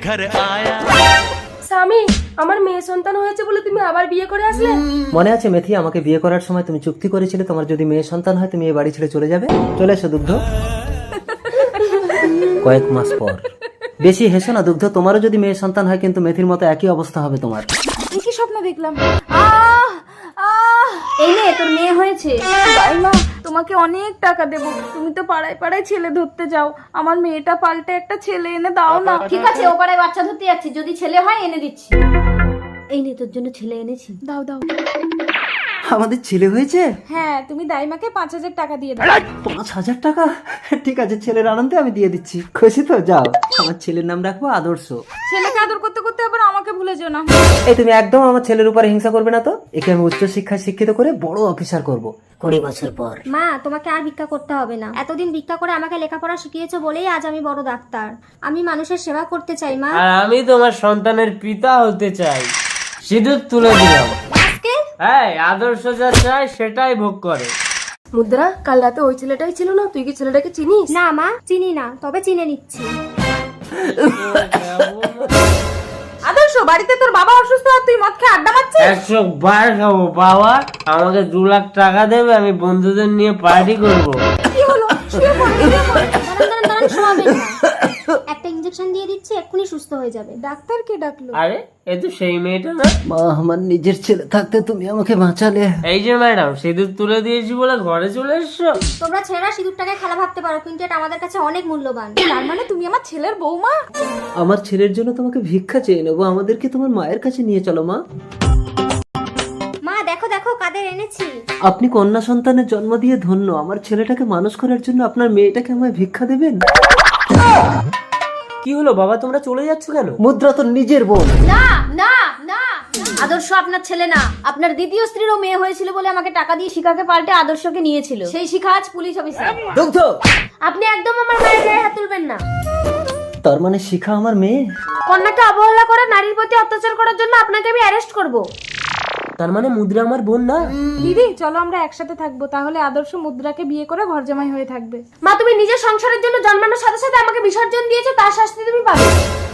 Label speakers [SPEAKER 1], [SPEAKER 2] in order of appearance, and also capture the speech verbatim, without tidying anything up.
[SPEAKER 1] घर आया।
[SPEAKER 2] স্বামী, আমার মেয়ে সন্তান হয়েছে বলে তুমি আবার বিয়ে করে আসলে?
[SPEAKER 3] মনে আছে মেথি, আমাকে বিয়ে করার সময় তুমি চুক্তি করেছিলে তোমার যদি মেয়ে সন্তান হয় তুমি এই বাড়ি ছেড়ে চলে যাবে। চলে এসো দুগ্ধ। কয়েক মাস পর। বেশি হেসো না দুগ্ধ, তোমারও যদি মেয়ে সন্তান হয় কিন্তু মেথির মতো একই অবস্থা হবে তোমার।
[SPEAKER 4] কি স্বপ্ন দেখলাম? আহ আহ
[SPEAKER 2] এই নে, তোর মেয়ে হয়েছে।
[SPEAKER 4] দাইমা, তোমাকে অনেক টাকা দেব, তুমি তো পাড়ায় পাড়ায় ছেলে ধরতে যাও, আমার মেয়েটা পাল্টে একটা ছেলে এনে দাও না।
[SPEAKER 2] ঠিক আছে, ও পাড়ায় বাচ্চা ধরতে যাচ্ছি, যদি ছেলে হয় এনে দিচ্ছি। এই নে, তোর জন্য ছেলে এনেছি।
[SPEAKER 4] দাও দাও।
[SPEAKER 3] আমাদের ছেলে হয়েছে?
[SPEAKER 4] হ্যাঁ, তুমি দাইমাকে পাঁচ হাজার টাকা দিয়ে দাও।
[SPEAKER 3] পাঁচ হাজার টাকা? ঠিক আছে, ছেলের আনন্দে আমি দিয়ে দিচ্ছি। খুশি তো? যাও, আমার ছেলের নাম রাখবো আদর্শ।
[SPEAKER 4] ছেলেকে আদর করতে করতে আবার আমাকে ভুলে যেও না।
[SPEAKER 3] এই তুমি একদম আমার ছেলের উপরে হিংসা করবে না তো। একে আমি উচ্চ শিক্ষায় শিক্ষিত করে বড় অফিসার করব কুড়ি বছর পর।
[SPEAKER 5] মা, তোমাকে আর ভিক্ষা করতে হবে না। এতদিন ভিক্ষা করে আমাকে লেখাপড়া শিখিয়েছো বলেই আজ আমি বড় ডাক্তার। আমি মানুষের সেবা করতে চাই মা।
[SPEAKER 6] আর আমি তোমার সন্তানের পিতা হতে চাই। সিঁদুর তুলে দিলাম। হ্যাঁ, আদর্শ যা চায় সেটাই ভোগ করে।
[SPEAKER 2] মুদ্রা, কাল রাতে ওই ছেলেটাই ছিল না? তুই কি ছেলেটাকে চিনিস?
[SPEAKER 5] না মা, চিনি না, তবে চিনে নিচ্ছি।
[SPEAKER 4] আদর্শ, বাড়িতে তোর বাবা অসুস্থ আর তুই মদ খেয়ে আড্ডা মারছিস?
[SPEAKER 6] একশো বার খাবো বাবা, আমাকে দু লাখ টাকা দেবে, আমি বন্ধুদের নিয়ে পার্টি করবো।
[SPEAKER 4] কি হলো? শুয়ে পড়, শুয়ে পড়।
[SPEAKER 5] দাঁড়ান দাঁড়ান দাঁড়ান, শোয়াবেন না। একটা ইঞ্জেকশন দিয়ে দিচ্ছি, এক্ষুনি সুস্থ হয়ে যাবে।
[SPEAKER 4] ডাক্তার কে ডাকলো?
[SPEAKER 6] আরে, এ তো সেই মেয়েটা না?
[SPEAKER 3] মা, আমার নিজের ছেলে থাকতে তুমি আমাকে বাঁচালে।
[SPEAKER 6] এই যে ম্যাডাম, সিঁদুর তুলে দিয়েছি বলে ঘরে চলে এসছো?
[SPEAKER 5] তোমরা ছেলেরা সিঁদুরটাকে খেলা ভাবতে পারো, কিন্তু এটা আমাদের কাছে অনেক মূল্যবান।
[SPEAKER 4] তার মানে তুমি আমার ছেলের বৌমা?
[SPEAKER 3] আমার ছেলের জন্য তোমাকে ভিক্ষা চেয়ে নেবো, আমাদেরকে তোমার মায়ের কাছে নিয়ে চলো মা।
[SPEAKER 5] মা দেখো দেখো কাদের এনেছি।
[SPEAKER 3] আপনি কন্যা সন্তানের জন্ম দিয়ে ধন্য। আমার ছেলেটাকে মানুষ করার জন্য আপনার মেয়েটাকে আমায় ভিক্ষা দেবেন?
[SPEAKER 6] কি হলো বাবা, তোমরা চলে যাচ্ছ কেন?
[SPEAKER 3] মুদ্রা তোর নিজের বোন।
[SPEAKER 2] না না না, আদর্শ আপনার ছেলে না। আপনার দ্বিতীয় স্ত্রীরও মেয়ে হয়েছিল বলে আমাকে টাকা দিয়ে শিখাকে পাল্টে আদর্শকে নিয়েছিল। সেই শিখা আজ পুলিশ অফিসার।
[SPEAKER 3] দুগ্ধ,
[SPEAKER 2] আপনি একদম আমার মায়ের গায়ে হাত তুলবেন না।
[SPEAKER 3] তার মানে শিখা আমার মেয়ে?
[SPEAKER 2] কন্যাকে অবহেলা করে নারীর প্রতি অত্যাচার করার জন্য আপনাকে আমি অ্যারেস্ট করব।
[SPEAKER 6] তার মানে মুদ্রা আমার বোন না?
[SPEAKER 4] দিদি, চলো আমরা একসাথে থাকবো, তাহলে আদর্শ মুদ্রাকে বিয়ে করে ঘর জামাই হয়ে থাকবে।
[SPEAKER 2] মা, তুমি নিজের সংসারের জন্য জন্মানোর সাথে সাথে আমাকে বিসর্জন দিয়েছো, তার শাস্তি তুমি পাবে।